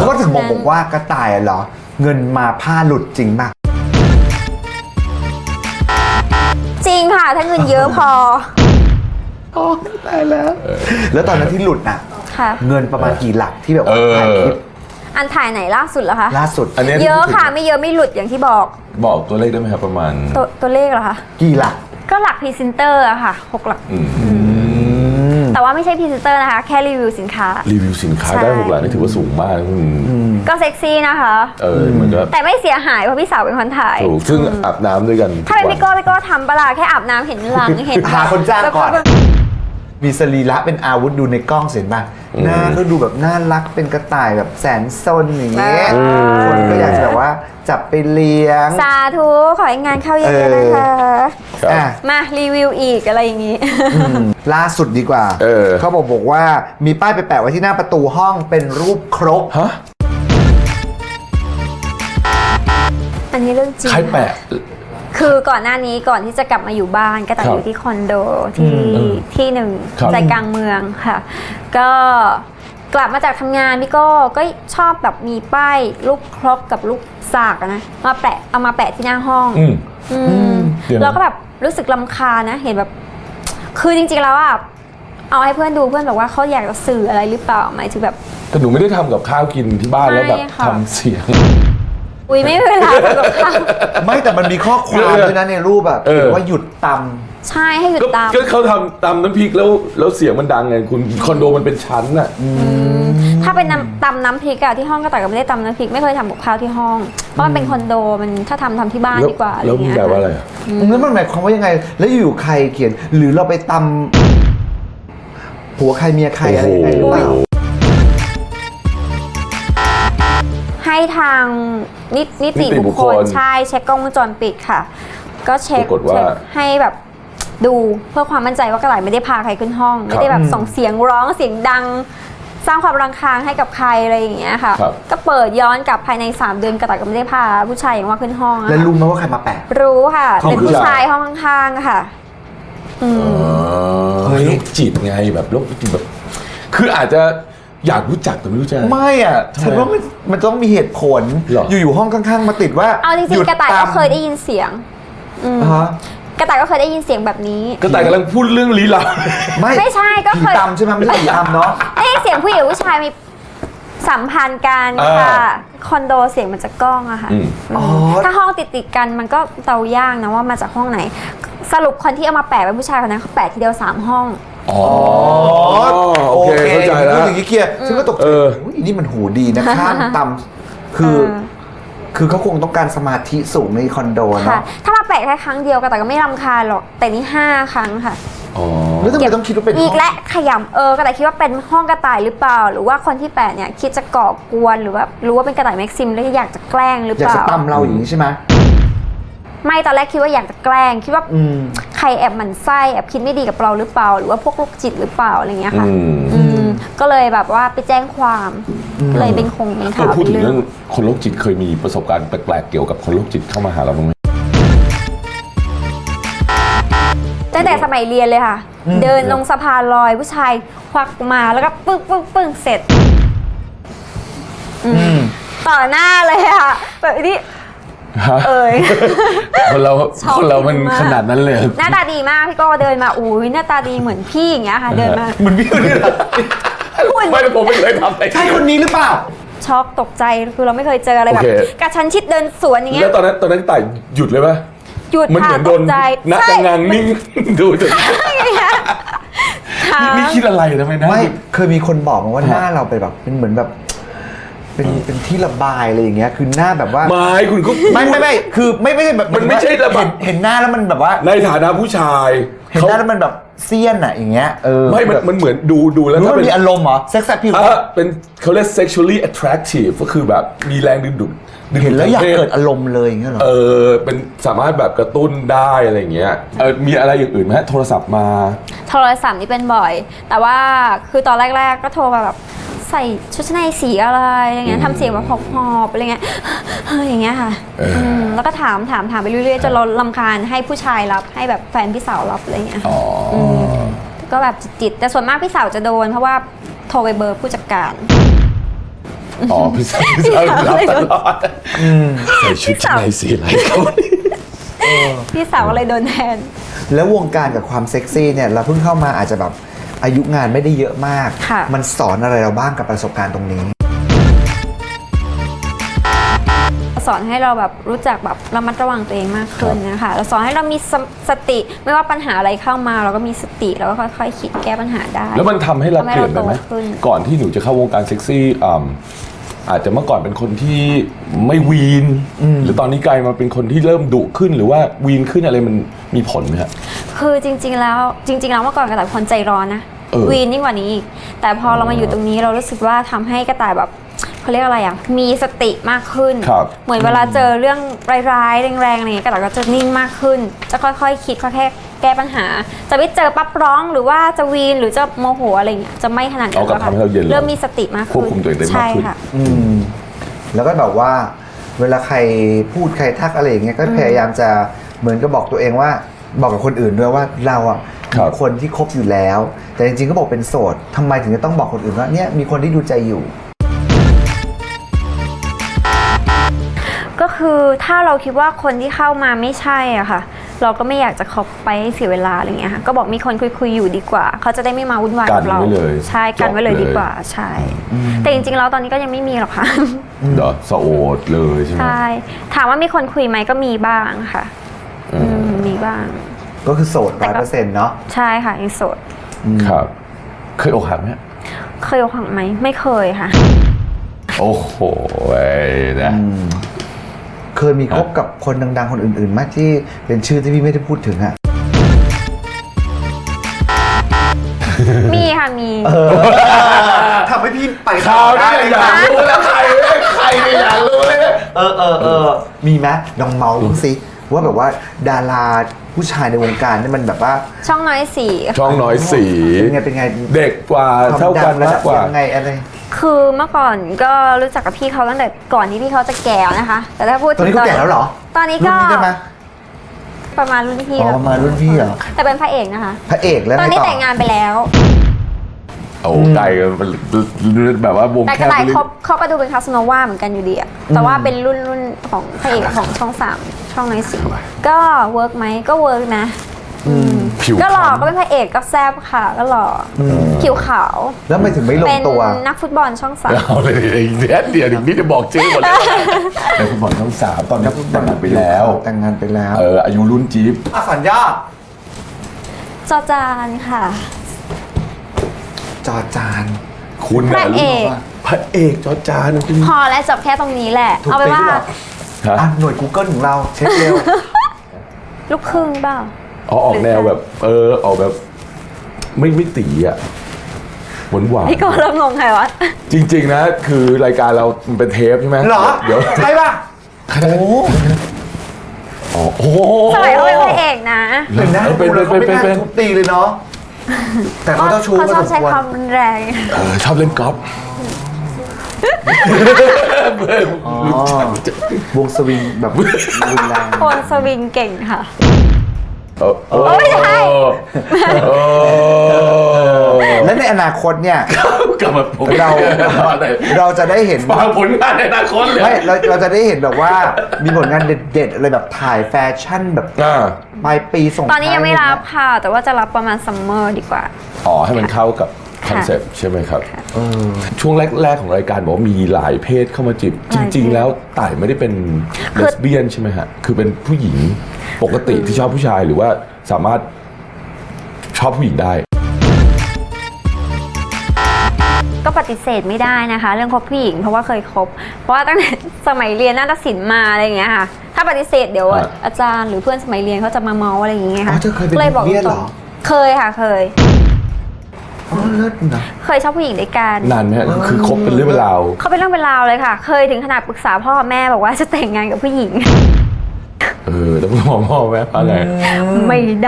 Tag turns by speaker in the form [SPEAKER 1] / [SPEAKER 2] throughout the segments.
[SPEAKER 1] เขาก็ถึงบอกว่ากระต่ายเหรอเงินมาผ้าหลุดจริงป่ะ
[SPEAKER 2] จริงค่ะถ้าเงินเยอะพอ
[SPEAKER 1] โอ้ตายแล้วตอนนั้นที่หลุดน่ะเงินประมาณกี่หลักที่แบบว่าถ่ายคลิป
[SPEAKER 2] อันถ่ายไหนล่าสุดเหรอคะ
[SPEAKER 1] ล่าสุด
[SPEAKER 3] อันนี้
[SPEAKER 2] เยอะค่ะไม่เยอะไม่หลุดอย่างที่บอก
[SPEAKER 3] ตัวเลขได้ไหมครับประมาณ
[SPEAKER 2] ตัวเลขเหรอคะ
[SPEAKER 1] กี่หลัก
[SPEAKER 2] ก็หลักพรีเซนเตอร์อะค่ะ6 หลักแต่ว่าไม่ใช่พรีเซนเตอร์นะคะแค่รีวิวสินค้า
[SPEAKER 3] ได้6 หลักนี่ถือว่าสูงมาก
[SPEAKER 2] ก็เซ็กซี่นะคะ
[SPEAKER 3] มันก็
[SPEAKER 2] แต่ไม่เสียหายเพราะพี่สาวเป็นคนถ่าย
[SPEAKER 3] ถูกซึ่งอาบน้ำด้วยกัน
[SPEAKER 2] ถ้าเป็นพี่โก้ทำปะล่ะแค่อาบน้ำเห็นหลังเห็น
[SPEAKER 1] หาคนจ้างก่อนมีสรีระเป็นอาวุธดูในกล้องเห็นป่ะหน้าก็ดูแบบน่ารักเป็นกระต่ายแบบแสนซนอย่างเงี้ยคนก็อยากจะแบบว่าจับไปเลี้ยง
[SPEAKER 2] สาธุขอให้งานเข้าเยอะๆนะคะมารีวิวอีกอะไรอย่างงี้
[SPEAKER 1] ล่าสุดดีกว่าเขาบอกว่ามีป้ายไปแปะไว้ที่หน้าประตูห้องเป็นรูปครก
[SPEAKER 2] อันนี้เรื่องจริง
[SPEAKER 3] ใครแปะ
[SPEAKER 2] คือก่อนหน้านี้ก่อนที่จะกลับมาอยู่บ้านก็ต่างอยู่ที่คอนโดที่หนึ่งใจกลางเมืองค่ะก็กลับมาจากทำงานพี่ก็ชอบแบบมีป้ายรูปครกกับรูปสากนะมาแปะเอามาแปะที่หน้าห้องเราก็แบบรู้สึกรำคาญนะเห็นแบบคือจริงๆแล้วอ่ะเอาให้เพื่อนดูเพื่อนบอกว่าเขาอยากจะสื่ออะไรหรือเปล่าหมายถึงแบบ
[SPEAKER 3] แต่หนูไม่ได้ทำกับข้าวกินที่บ้านแล้วแบบทำเสียง
[SPEAKER 2] ไม่เวลาทำกับข้าว
[SPEAKER 1] ไม่แต่มันมีข้อความด้วยนะในรูปแบบว่าหยุดตำ
[SPEAKER 2] ใช่ให้หยุดตำ
[SPEAKER 3] ก็เขาทำตำน้ำพริกแล้วเสียงมันดังไงคุณคอนโดมันเป็นชั้นอ่ะ
[SPEAKER 2] ถ้าเป็นตำน้ำพริกอะที่ห้องก็แต่ก็ไม่ได้ตำน้ำพริกไม่เคยทำกับข้าวที่ห้องเพราะมันเป็นคอนโดมันถ้าทำที่บ้านดีกว่า
[SPEAKER 3] แล้วมันแปลว่าอะไร
[SPEAKER 1] แล้วมันหมายความว่ายังไงแล้วอยู่ใครเขียนหรือเราไปตำผัวใครเมียใครอะไรยังไงหรือเปล่า
[SPEAKER 2] ให้ทางนิติบุคคลใช่เช็คกล้องวงจรปิดค่ะก็เช็คให้แบบดูเพื่อความมั่นใจว่ากระต่ายไม่ได้พาใครขึ้นห้องไม่ได้แบบส่งเสียงร้องเสียงดังสร้างความรำคาญให้กับใครอะไรอย่างเงี้ยค่ะก็เปิดย้อนกลับภายใน3 เดือนกระต่ายก็ไม่ได้พาผู้ชายอย่างว่าขึ้นห้อง
[SPEAKER 1] แล้วรู้ไหมว่าใครมาแปะ
[SPEAKER 2] รู้ค่ะเป็นผู้ชายห้องข้างๆค่ะ
[SPEAKER 3] โรคจิตไงแบบโรคจิตแบบคืออาจจะอยากรู้จักแต่ไม่รู้จะ
[SPEAKER 1] ไม่อ่ะฉันว่ามันต้องมีเหตุผลอยู่ห้องข้างๆมาติดว่า
[SPEAKER 2] เอาจริงๆกระต่ายก็เคยได้ยินเสียงกระต่ายก็เคยได้ยินเสียงแบบนี้
[SPEAKER 3] กระต่ายกำลังพูดเรื่องลี้ลับ
[SPEAKER 2] ไม่ใช่ก็เคย
[SPEAKER 1] ตำใช่ไหมไม่ใช่ผีอำเนาะ
[SPEAKER 2] ได้ยินเสียงผู้หญิงผู้ชายมีสัมพันธ์กันค่ะคอนโดเสียงมันจะก้องอะค่ะถ้าห้องติดกันมันก็เดายากนะว่ามาจากห้องไหนสรุปคนที่เอามาแปะเป็นผู้ชายคนนั้นเขาแปะทีเดียว3 ห้อง
[SPEAKER 3] โอเคเข้าใจแล้ว
[SPEAKER 1] อย่างนี้เคลียร์ฉันก็ตกใจนี่มันหูดีนะข้ามตำคือเขาคงต้องการสมาธิสูงในคอนโดนะ
[SPEAKER 2] ถ้ามาแปะแค่ครั้งเดียวก็แต่ก็ไม่รำคาญหรอกแต่นี่5 ครั้งค่ะ
[SPEAKER 1] แล้วทำไมต้องคิดว่าเป็น
[SPEAKER 2] อีกและขยำก็แต่คิดว่าเป็นห้องกระต่ายหรือเปล่าหรือว่าคนที่แปะเนี่ยคิดจะก่อกวนหรือว่ารู้ว่าเป็นกระต่ายแม็กซิมแล้วอยากจะแกล้งหรือเปล่า
[SPEAKER 1] อยากจะตำเราอย่างนี้ใช่ไหม
[SPEAKER 2] ไม่ตอนแรกคิดว่าอยากจะแกล้งคิดว่าใครแอบหมั่นไส้แอบคิดไม่ดีกับเราหรือเปล่าหรือว่าพวกโรคจิตหรือเปล่าอะไรเงี้ยค่ะก็เลยแบบว่าไปแจ้งความเลยเป็นข่าว
[SPEAKER 3] พูดถึงเรื่องคนโรคจิตเคยมีประสบการณ์แปลกๆเกี่ยวกับคนโรคจิตเข้ามาหาเราบ้างไหม
[SPEAKER 2] ตั้งแต่สมัยเรียนเลยค่ะเดินลงสะพานลอยผู้ชายควักมาแล้วก็ปึ้งเสร็จต่อหน้าเลยค่ะแบบนี้
[SPEAKER 3] คนเรามันขนาดนั้นเลย
[SPEAKER 2] หน้าตาดีมากพี่ก็เดินมาอุ้ยหน้าตาดีเหมือนพี่อย่างเงี้ยค่ะเดินมา
[SPEAKER 1] เหมือนพี่คนนี้
[SPEAKER 3] ไม่ผมไม่เคยทำ
[SPEAKER 1] ใช่คนนี้หรือเปล่า
[SPEAKER 2] ช็อกตกใจคือเราไม่เคยเจออะไรแบบกระชั้นชิดเดินสวนอย่างเงี้ย
[SPEAKER 3] แล้วตอนนั้นต่ายหยุดเลยป่ะ
[SPEAKER 2] หยุด
[SPEAKER 3] มันเหมือนโดนนักงานนิ่งดูจนนี่คิดอะไรทำไมนะ
[SPEAKER 1] ไม่เคยมีคนบอกมาว่าหน้าเราเป็นแบบเป็นเหมือนแบบเป็นที่ระบายอะไรอย่างเงี้ยคือหน้าแบบว่า
[SPEAKER 3] ไม่คุณก็
[SPEAKER 1] ไม่คือไม่ใช่แบบ
[SPEAKER 3] มันไม่ใช่ระบาย
[SPEAKER 1] เห็นหน้าแล้วมันแบบว่า
[SPEAKER 3] ในฐานะผู้ชาย
[SPEAKER 1] เห็นหน้าแล้วมันแบบเซียนอะอย่างเงี้ย
[SPEAKER 3] ไม่มันเหมือนดูแล้ว
[SPEAKER 1] ถ้ามีอารมณ์เหรอเซ็กซ์พิว
[SPEAKER 3] เป็นเขาเรียก sexually attractive ก็คือแบบมีแรงดึงดูด
[SPEAKER 1] เห็นแล้วอยากเกิดอารมณ์เลยอย่างเงี้ยหรอ
[SPEAKER 3] เป็นสามารถแบบกระตุ้นได้อะไรอย่างเงี้ยมีอะไรอย่างอื่นไหมโทรศัพท์มา
[SPEAKER 2] โทรศัพท์นี่เป็นบ่อยแต่ว่าคือตอนแรกๆก็โทรมาแบบใส่ชุดชั้นในสีอะไรอย่างเงี้ยทำเสียงแบบหอบๆอะไรเงี้ยอย่างเงี้ยค่ะแล้วก็ถามไปเรื่อยๆจนเรารำคาญให้ผู้ชายรับให้แบบแฟนพี่สาวรับอะไรเงี้ยก็แบบจิตแต่ส่วนมากพี่สาวจะโดนเพราะว่าโทรไปเบอร์ผู้จัดการ
[SPEAKER 3] อ๋อพี่สาวรับตลอดใส่ชุดชั้นในสีอะไรเขา
[SPEAKER 2] พี่สาวก็เลยโดนแทน
[SPEAKER 1] แล้ววงการกับความเซ็กซี่เนี่ยเราเพิ่งเข้ามาอาจจะแบบอายุงานไม่ได้เยอะมาก
[SPEAKER 2] ค่ะ
[SPEAKER 1] มันสอนอะไรเราบ้างกับประสบการณ์ตรงนี้
[SPEAKER 2] สอนให้เราแบบรู้จักแบบระมัดระวังตัวเองมากขึ้นนะคะเราสอนให้เรามีสติไม่ว่าปัญหาอะไรเข้ามาเราก็มีสติแล้วก็ค่อยๆคิดแก้ปัญหาได้
[SPEAKER 3] แล้วมันทำให้เราเปลี่ยนไปไหม
[SPEAKER 2] ทำให้เราโตขึ้น
[SPEAKER 3] ก่อนที่หนูจะเข้าวงการเซ็กซี่อาจจะเมื่อก่อนเป็นคนที่ไม่วีนหรือตอนนี้กลายมาเป็นคนที่เริ่มดุขึ้นหรือว่าวีนขึ้นอะไรมันมีผลไหมฮะ
[SPEAKER 2] คือจริงๆแล้วเมื่อก่อนกระต่ายคนใจร้อนนะ วีนยิ่งกว่านี้อีกแต่พอเรามาอยู่ตรงนี้เรารู้สึกว่าทำให้กระต่ายแบบเขาเรียกอะไรอ่ะมีสติมากขึ้น เหมือนเวลาเจอเรื่องร้ายๆแรงๆอะไรอย่างเงี้ยกระต่ายก็จะนิ่งมากขึ้น จะค่อยๆคิดค่อยๆแก้ปัญหา จะไม่เจอปั๊บร้องหรือว่าจะวีนหรือจะโมโหอะไรอย่างเงี้ยจะไม่ขนาดนั้น
[SPEAKER 3] เอากลับทำให้เราเย็นลง
[SPEAKER 2] เริ่มมีสติมาก
[SPEAKER 3] ควบ
[SPEAKER 2] ขึ้น
[SPEAKER 3] คุมตัวเองได้มาก
[SPEAKER 2] ใช่
[SPEAKER 3] ขึ้น
[SPEAKER 2] ค่ะ
[SPEAKER 1] แล้วก็แบบว่าเวลาใครพูดใครทักอะไรอย่างเงี้ยก็พยายามจะเหมือนกับบอกตัวเองว่าบอกกับคนอื่นด้วยว่าเราอ่ะ
[SPEAKER 3] ครับ
[SPEAKER 1] มีคนที่คบอยู่แล้ว แต่จริงๆก็บอกเป็นโสดทำไมถึงจะต้องบอกคนอื่นว่าเนี่ยมีคนที่ดูใจอยู่
[SPEAKER 2] ก็คือถ้าเราคิดว่าคนที่เข้ามาไม่ใช่อ่ะค่ะ เราก็ไม่อยากจะคบไปให้เสียเวลาอะไรเงี้ยค่ะก็บอกมีคนคุยอยู่ดีกว่าเขาจะได้ไม่มาวุ่นวายกับเรา
[SPEAKER 3] กันไว้เลย
[SPEAKER 2] ใช่กันไว้เลย
[SPEAKER 3] จบเลย
[SPEAKER 2] ดีกว่าใช่ แต่จริงๆแล้วตอนนี้ก็ยังไม่มีหรอกค่ะ
[SPEAKER 3] เดี๋ยวสะโอดเลยใช่ไหม
[SPEAKER 2] ใช่ถามว่ามีคนคุยไหมก็มีบ้างค่ะมีบ้าง
[SPEAKER 1] ก็คือโสด100%เนาะ
[SPEAKER 2] ใช่ค่ะยังโสด
[SPEAKER 3] ครับ เคยอกหักไหม
[SPEAKER 2] เคยอกหักไหมไม่เคยค่ะ
[SPEAKER 3] โอ้โหนะ
[SPEAKER 1] เคยมีคบกับคนดังๆคนอื่นๆไหมที่เป็นชื่อที่พี่ไม่ได้พูดถึงอะ
[SPEAKER 2] มีค่ะมี
[SPEAKER 1] ทำให้พี่ไป
[SPEAKER 3] ข่าวได้อยากรู้แล้วใครไม่อยากรู้เลยนะ
[SPEAKER 1] มีไหมลองเมาส์ดูสิว่าแบบว่าดาราผู้ชายในวงการนี่มันแบบว่า
[SPEAKER 2] ช่องน้อยสี
[SPEAKER 3] ช่องน้อยสี
[SPEAKER 1] เป็นไง
[SPEAKER 3] เด็กกว่า
[SPEAKER 1] ความ
[SPEAKER 3] เท่า
[SPEAKER 1] ดั
[SPEAKER 3] กัน
[SPEAKER 1] ระ
[SPEAKER 3] มา
[SPEAKER 1] ดั
[SPEAKER 3] ก
[SPEAKER 1] บ
[SPEAKER 3] กว่า
[SPEAKER 1] ยังไงอะไร
[SPEAKER 2] คือเมื่อก่อนก็รู้จักกับพี่เขาตั้งแต่ก่อนที่พี่เขาจะแก่นะคะ แต่ถ้าพูด
[SPEAKER 1] ตอนนี้เขาแก่แล้วเหรอ
[SPEAKER 2] ตอนนี้
[SPEAKER 1] รุ่
[SPEAKER 2] ก็
[SPEAKER 1] นนี้ได้ไหม
[SPEAKER 2] ประมาณรุ่นพี่
[SPEAKER 1] อ๋อ
[SPEAKER 2] แล้ว
[SPEAKER 1] ประมาณรุ่นพี่เหรอ
[SPEAKER 2] แต่เป็นพระเอกนะคะ
[SPEAKER 1] พระเอกแล้ว
[SPEAKER 2] ตอน
[SPEAKER 1] ไง
[SPEAKER 2] นี้
[SPEAKER 1] ต่อ
[SPEAKER 2] แต่งงานไปแล้ว
[SPEAKER 3] โอ้ไกลกันแบบว่าวง
[SPEAKER 2] แต่
[SPEAKER 3] แค
[SPEAKER 2] กระ
[SPEAKER 3] บ
[SPEAKER 2] ต่าย
[SPEAKER 3] ไปเลย
[SPEAKER 2] เขาก็ดูเป็นคาสโนวาเหมือนกันอยู่ดีอะแต่ว่าเป็นรุ่นของพระเอกของช่อง3ช่องน้อยสีก็เวิร์กไหมก็เวิร์กนะ
[SPEAKER 3] ผิว
[SPEAKER 2] ก็หล่อ
[SPEAKER 3] คล้ำ
[SPEAKER 2] ก็เป็นพระเอกก็แซ่บค่ะ ก็หล่อผิวขาว
[SPEAKER 1] แล้วไม่ถึงไม่ล
[SPEAKER 2] เป็
[SPEAKER 1] ง
[SPEAKER 2] น
[SPEAKER 1] ตัว
[SPEAKER 2] นักฟุตบอลช่อง3
[SPEAKER 3] เอาเลยเดี๋ยวถึงพี่จะบอกชื่อหมดเลยในฟุตบอลช่อง3ตอนนี้แต่งงานไปแล้ว
[SPEAKER 1] แต่งงานไปแล้ว
[SPEAKER 3] อายุรุ่นจี๊บ
[SPEAKER 1] สัญญา
[SPEAKER 2] จอจานค่ะ
[SPEAKER 1] จอจาน
[SPEAKER 3] คุณ
[SPEAKER 2] พระเอก
[SPEAKER 3] พระเอกจอจานคุณ
[SPEAKER 2] พอแล้วจบแค่ตรงนี้แหละ
[SPEAKER 1] ถูก
[SPEAKER 2] เอาไป
[SPEAKER 1] ตี
[SPEAKER 2] ว่า
[SPEAKER 1] ด้วยเหรอ
[SPEAKER 3] ฮะ
[SPEAKER 1] หน่วย Google ของเราเช็คเร็ว
[SPEAKER 2] ลูกครึ่งเปล่า
[SPEAKER 3] อ๋อออกแนวแบบออกแบบไม่ตีอ่ะหวาน
[SPEAKER 2] พี่ก็เริ่มงงใครวะ
[SPEAKER 3] จริง ๆ นะ คือรายการเรามันเป็นเทปใช่ไหม
[SPEAKER 1] เหรอ
[SPEAKER 3] เดี๋ยว
[SPEAKER 1] ใช่ป่ะโอ้
[SPEAKER 3] โอ้โห
[SPEAKER 2] สมัยเขาเป็นพระเอกนะ
[SPEAKER 1] เป็นนะ
[SPEAKER 3] เป็น
[SPEAKER 1] เขาไม่น่าทุบตีเลยเนาะแต่เขาเจ้าชู้
[SPEAKER 2] เขา
[SPEAKER 1] พอ
[SPEAKER 2] ชอบ
[SPEAKER 1] สม
[SPEAKER 2] ใช้
[SPEAKER 1] ควร
[SPEAKER 2] ความรุนแรง
[SPEAKER 3] ชอบเล่นกอล์ฟ
[SPEAKER 1] อ๋อวงสวิงแบบรุนแรง
[SPEAKER 2] คนสวิงเก่งค่ะ
[SPEAKER 3] ไม่ใช่
[SPEAKER 1] และในอนาคตเนี่ย
[SPEAKER 3] กลับมาผม
[SPEAKER 1] เราจะได้เห็น
[SPEAKER 3] ฟังผลงานในอนาคตเลย
[SPEAKER 1] ไม่เราจะได้เห็นแบบว่ามีผลงานเด็ดๆอะไรแบบถ่ายแฟชั่นแบบปลายปีส่ง
[SPEAKER 2] ตอนนี้ยังไม่รับค่ะ แต่ว่าจะรับประมาณซัมเมอร์ดีกว่า
[SPEAKER 3] อ๋อให้มันเข้ากับคอนเซ็ปต์ใช่ไหมครับช่วงแรกๆของรายการบอกว่ามีหลายเพศเข้ามาจีบจริง ๆ แล้วต่ายไม่ได้เป็นเลสเบี้ยนใช่ไหมฮะคือเป็นผู้หญิงปกติที่ชอบผู้ชายหรือว่าสามารถชอบผู้หญิงได้
[SPEAKER 2] ก็ปฏิเสธไม่ได้นะคะ เรื่องคบผู้หญิงเพราะว่าเคยคบ เพราะว่าตั้งแต่สมัยเรียนนาฏศิลป์มาอะไรอย่างเงี้ยค่ะ ถ้าปฏิเสธเดี๋ยวอาจารย์หรือเพื่อนสมัยเรียนเขาจะมาเมาอะไรอย่างเงี้ย
[SPEAKER 1] อ๋อ
[SPEAKER 2] ค่ะ
[SPEAKER 1] เธอเคยเป็น
[SPEAKER 2] เลยบอก
[SPEAKER 1] เบี้ยนเหรอ
[SPEAKER 2] เคยค่ะเคย
[SPEAKER 1] อ๋อเลิศนะ
[SPEAKER 2] เคยชอบผู้หญิงด้วยกัน
[SPEAKER 3] นานไหมฮะคือคบเป็นเรื่องเป็นราว
[SPEAKER 2] เขาเป็นเรื่องเป็นราวเลยค่ะ เคยถึงขนาดปรึกษาพ่อแม่บอกว่าจะแต่งงานกับผู้หญิง
[SPEAKER 3] แล้วพ่อแม่ว่าไง
[SPEAKER 2] ไม่ได้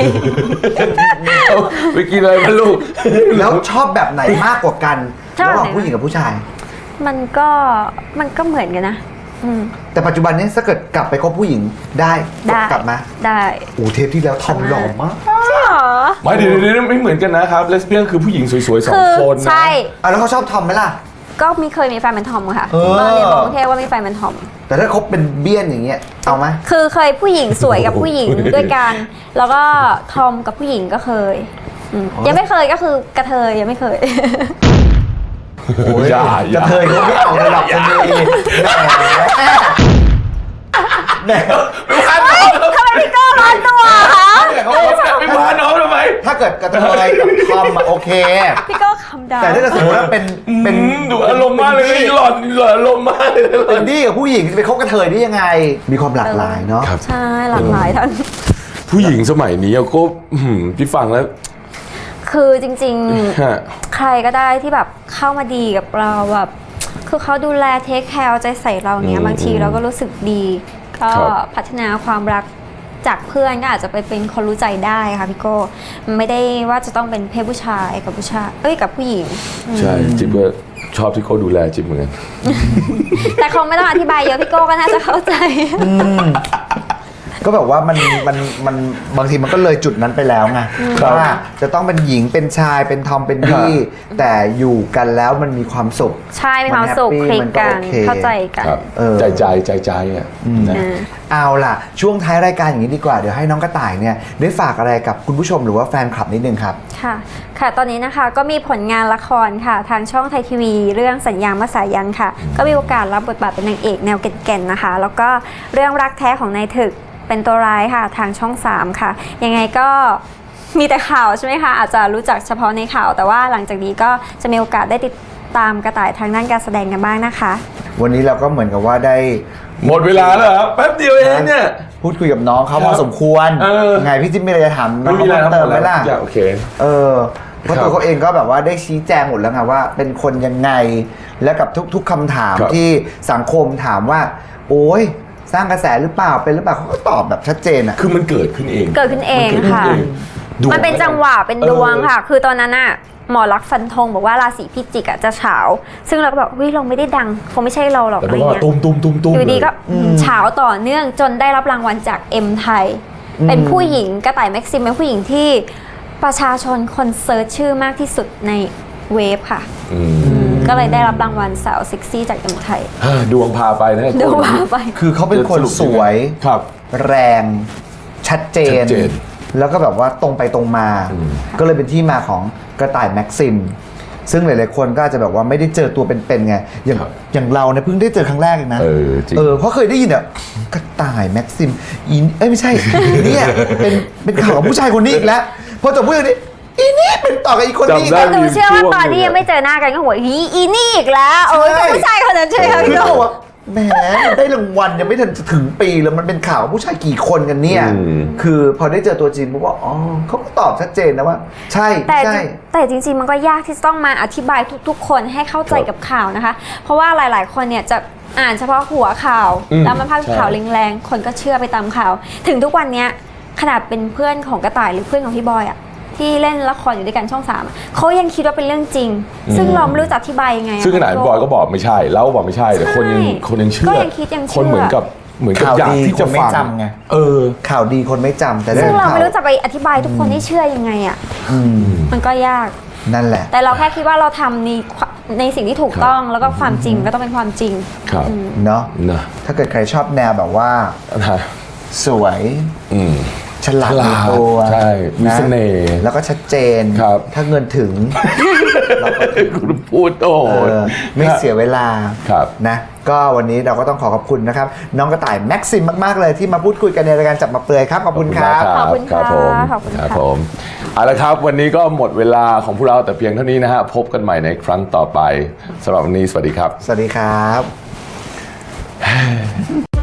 [SPEAKER 3] ไปกินอะไรมาลูก
[SPEAKER 1] แล้วชอบแบบไหนมากกว่ากัน
[SPEAKER 2] ชอบ
[SPEAKER 1] ระห
[SPEAKER 2] แบบไหน
[SPEAKER 1] ว่างผู้หญิงกับผู้ชาย
[SPEAKER 2] มันก็เหมือนกันนะ
[SPEAKER 1] แต่ปัจจุบันนี้ถ้าเกิดกลับไปคบผู้หญิงได้
[SPEAKER 2] ได้
[SPEAKER 1] กลับมา
[SPEAKER 2] ได้
[SPEAKER 1] โอ้เทปที่แล้วทอมหล่อมาก
[SPEAKER 2] ใช่หรอ
[SPEAKER 3] ไม่เดี๋ยวไม่เหมือนกันนะครับเลสเบี้ยนคือผู้หญิงสวยๆสอง
[SPEAKER 2] คือ
[SPEAKER 3] คนนะ
[SPEAKER 2] ใช่
[SPEAKER 1] แล้วเขาชอบทอมไหมล่ะ
[SPEAKER 2] ก็เคยมีแฟนเป็นทอมค่ะ
[SPEAKER 1] เออ
[SPEAKER 2] ตอนเรียนกรุงเทพว่ามีแฟนเป็นทอม
[SPEAKER 1] แต่ถ้าคบเป็นเบี้ยนอย่างเงี้ยเอาไหม
[SPEAKER 2] คือเคยผู้หญิงสวยกับผู้หญิงด้วยกัน แล้วก็ทอมกับผู้หญิงก็เคยยังไม่เคยก็คือกระเทยยังไม่เคย
[SPEAKER 1] โอ้ย
[SPEAKER 3] อย่าก
[SPEAKER 1] ระเทยเขาไม่เอาเลยหรอกคนนี้แหม
[SPEAKER 2] ทำไมพี่โก้ร้อนตัวคะ
[SPEAKER 3] ไม่พาน้องทำไม
[SPEAKER 1] ถ้าเกิดกระเทยกับทอมอะโอเค
[SPEAKER 2] พี่โก้คำดาว
[SPEAKER 1] แต่ถ้าเกิดสมมติว่าเป็น
[SPEAKER 3] ดูอารมณ์มากเลยหล่อนอารมณ์มากเลย
[SPEAKER 1] เป็นดี้กับผู้หญิงจะไปคบกระเทยได้ยังไง มีความหลากหลายเนาะ
[SPEAKER 3] ครับ
[SPEAKER 2] ใช่หลากหลายท่าน
[SPEAKER 3] ผู้หญิงสมัยนี้ก็พี่ฟังแล้ว
[SPEAKER 2] คือจริง
[SPEAKER 3] ฮะ
[SPEAKER 2] ๆ ใครก็ได้ที่แบบเข้ามาดีกับเราแบบคือเขาดูแลเทคแคร์ใจใส่เราเนี้ยบางทีเราก็รู้สึกดี ก็พัฒนาความรักจากเพื่อนก็อาจจะไปเป็นคนรู้ใจได้ค่ะพี่โก้มันไม่ได้ว่าจะต้องเป็นเพศผู้ชายกับผู้ชายกับผู้หญิง
[SPEAKER 3] ใช่จิ๊บก็ชอบที่เขาดูแลจิ๊บเหมือนกัน
[SPEAKER 2] แต่คงไม่ต้องอธิบายเยอะพี่โก้ก็น่าจะเข้าใจ
[SPEAKER 1] ก็แบบว่ามันบางทีมันก็เลยจุดนั้นไปแล้วไงว่าจะต้องเป็นหญิงเป็นชายเป็นทอมเป็นดี้แต่อยู่กันแล้วมันมีความสุข
[SPEAKER 2] ใช่มีความสุข
[SPEAKER 1] มัน
[SPEAKER 2] คลิก
[SPEAKER 1] มันก็
[SPEAKER 2] กัน
[SPEAKER 1] โอเค
[SPEAKER 2] เข้าใจกัน
[SPEAKER 3] ครับ ใจอ่ะนะ
[SPEAKER 1] เอาล่ะ ช่วงท้ายรายการอย่างนี้ดีกว่าเดี๋ยวให้น้องกระต่ายเนี่ยได้ฝากอะไรกับคุณผู้ชมหรือว่าแฟนคลับนิดนึงครับ
[SPEAKER 2] ค่ะตอนนี้นะคะก็มีผลงานละครค่ะทางช่องไทยทีวีเรื่องสัญญามาสายันค่ะก็มีโอกาสรับบทบาทเป็นนางเอกแนวเก่นๆนะคะแล้วก็เรื่องรักแท้ของนายถึกเป็นตัวร้ายค่ะทางช่อง 3 ค่ะยังไงก็มีแต่ข่าวใช่ไหมคะอาจจะรู้จักเฉพาะในข่าวแต่ว่าหลังจากนี้ก็จะมีโอกาสได้ติดตามกระต่ายทางด้านการแสดงกันบ้างนะคะ
[SPEAKER 1] วันนี้เราก็เหมือนกับว่าได้
[SPEAKER 3] หมดเวลาแล้วครับแป๊บเดียวเองเนี่ย
[SPEAKER 1] พูดคุยกับน้องเขาพอสมควร ไงพี่จิ๊บมีอะไรจะถามน้อง
[SPEAKER 3] ไม่มีอะไร
[SPEAKER 1] เพิ่มเติมไหมล่ะ
[SPEAKER 3] โอเค
[SPEAKER 1] เพราะตัวเขาเองก็แบบว่าได้ชี้แจงหมดแล้วไงว่าเป็นคนยังไงและกับทุกๆคำถาม
[SPEAKER 3] ครับ
[SPEAKER 1] ที่สังคมถามว่า โอ๊ยสร้างกระแสหรือเปล่าเป็นหรือเปล่าเขาก็ตอบแบบชัดเจนอะ
[SPEAKER 3] คือมันเกิดขึ้นเอง
[SPEAKER 2] เกิดขึ้นเอง
[SPEAKER 3] มักิดขึ้น
[SPEAKER 2] ค่ะ
[SPEAKER 3] เองดว
[SPEAKER 2] มันเป็นจังหวะเป็นดวงค่ะ คือตอนนั้นน่ะหมอลักษณ์ฟันธงบอกว่าราศีพิจิกจะเฉาซึ่งเราก็แบบเราไม่ได้ดังคงไม่ใช่เราหรอก
[SPEAKER 3] แต่
[SPEAKER 2] อะไร
[SPEAKER 3] ว่า
[SPEAKER 2] เงี้ย
[SPEAKER 3] ตุ้ม
[SPEAKER 2] อยู่ดีก็เฉาต่อเนื่องจนได้รับรางวัลจากเอ็มไทย เป็นผู้หญิงกระต่ายแม็กซิมเป็นผู้หญิงที่ประชาชนคนเซิร์ชชื่อมากที่สุดในเว็บค่ะก็เลยได้รับรางวัลสาวเซ็กซี่จากเอ็มไทย
[SPEAKER 3] ดวงพาไปนะ
[SPEAKER 2] ดวงพาไป
[SPEAKER 1] คือเขาเป็นคนสวย
[SPEAKER 3] ครับ
[SPEAKER 1] แรงชัดเจ
[SPEAKER 3] ชั
[SPEAKER 1] น
[SPEAKER 3] ดเจน
[SPEAKER 1] แล้วก็แบบว่าตรงไปตรงมา ก็เลยเป็นที่มาของกระต่ายแม็กซิม ซึ่งหลายๆคนก็อาจจะแบบว่าไม่ได้เจอตัวเป็นๆไงอย่างเราเนี่ยเพิ่งได้เจอครั้งแรกเองนะ
[SPEAKER 3] จริง
[SPEAKER 1] เพราะเคยได้ยินเนี่ยกระต่ายแม็กซิมไม่ใช่ เนี่ยเป็นข่าวของผู้ชายคนนี้อีกแล้วพอจบพูดอย่างนี้อีนี่เป็นต่อกับอีกคนนี้อีก
[SPEAKER 3] จำได้
[SPEAKER 1] แล้ว
[SPEAKER 2] หนูเชื่อว่าตอนที่ยังไม่เจอหน้ากันก็หัวอีนี่อีกแล้วเป็นผู้ชายคนนั้นใช่ไหมคะ
[SPEAKER 1] คือ
[SPEAKER 2] พี่โด
[SPEAKER 1] เขาบอกว่าแหมมันได้รางวัลยังไม่ทันจะถึงปีแล้วมันเป็นข่าวผู้ชายกี่คนกันเนี่ย คือพอได้เจอตัวจริงปุ๊บว่าอ๋อเขาก็ตอบชัดเจนนะว่า ใช่
[SPEAKER 2] แต่จริงๆมันก็ยากที่จะต้องมาอธิบายทุกๆ คนให้เข้าใจกับข่าวนะคะ เพราะว่าหลายๆคนเนี่ยจะอ่านเฉพาะหัวข่าวแล้วมันพาดข่าวแรงๆคนก็เชื่อไปตามข่าว ถึงทุกวันเนี้ยขนาดเป็นเพื่อนของกระต่ายหรือเพื่อนของพี่บอยอะที่เล่นละครอยู่ด้วยกันช่อง 3อะเขายังคิดว่าเป็นเรื่องจริง ซึ่งเราไม่รู้จะอธิบายยังไงอะ
[SPEAKER 3] ซึ่งขนาดบอยก็บอกไม่ใช่แล้วบอกไม่ใช่แต่คนยังเชื่อ
[SPEAKER 2] ก็ยังคิดยังเชื่อ
[SPEAKER 3] คนเหมือนกับ
[SPEAKER 1] ข่าว
[SPEAKER 3] อยาก
[SPEAKER 1] ดี
[SPEAKER 3] ที่
[SPEAKER 1] ค
[SPEAKER 3] จะ
[SPEAKER 1] นไม่
[SPEAKER 3] ฟัง
[SPEAKER 1] จำไง ข่าวดีคนไม่จำแต่
[SPEAKER 2] ซึ่งเรา
[SPEAKER 1] ข่าว
[SPEAKER 2] ไม่รู้จะไปอธิบายทุกคนให้เชื่อยังไงอะมันก็ยาก
[SPEAKER 1] นั่นแหละ
[SPEAKER 2] แต่เราแค่คิดว่าเราทำในสิ่งที่ถูกต้องแล้วก็ความจริงก็ต้องเป็นความจริง
[SPEAKER 3] ครับ
[SPEAKER 1] เนาะ
[SPEAKER 3] นะ
[SPEAKER 1] ถ้าเกิดใครชอบแนวแบบว่า
[SPEAKER 3] นะ
[SPEAKER 1] สวยฉลาดในตัว
[SPEAKER 3] ใช่มีเสน่ห์
[SPEAKER 1] แล้วก็ชัดเจน
[SPEAKER 3] ครับ
[SPEAKER 1] ถ้าเงินถึง
[SPEAKER 3] คุณพูดโอ้โห
[SPEAKER 1] ไม่เสียเวลา
[SPEAKER 3] ครับ
[SPEAKER 1] นะก็วันนี้เราก็ต้องขอบคุณนะครับ น้องกระต่ายแม็กซิมมาก ๆ เลยที่มาพูดคุยกันในรายการจับมาเปลือยครับ ขอบคุณครับ
[SPEAKER 2] ขอบคุณค่ะ
[SPEAKER 3] ครับผม
[SPEAKER 2] ขอบคุณค่ะ
[SPEAKER 3] ครับผมเอาละครับวันนี้ก็หมดเวลาของพวกเราแต่เพียงเท่านี้นะฮะพบกันใหม่ในครั้งต่อไปสำหรับวันนี้สวัสดีครับ
[SPEAKER 1] สวัสดีครับ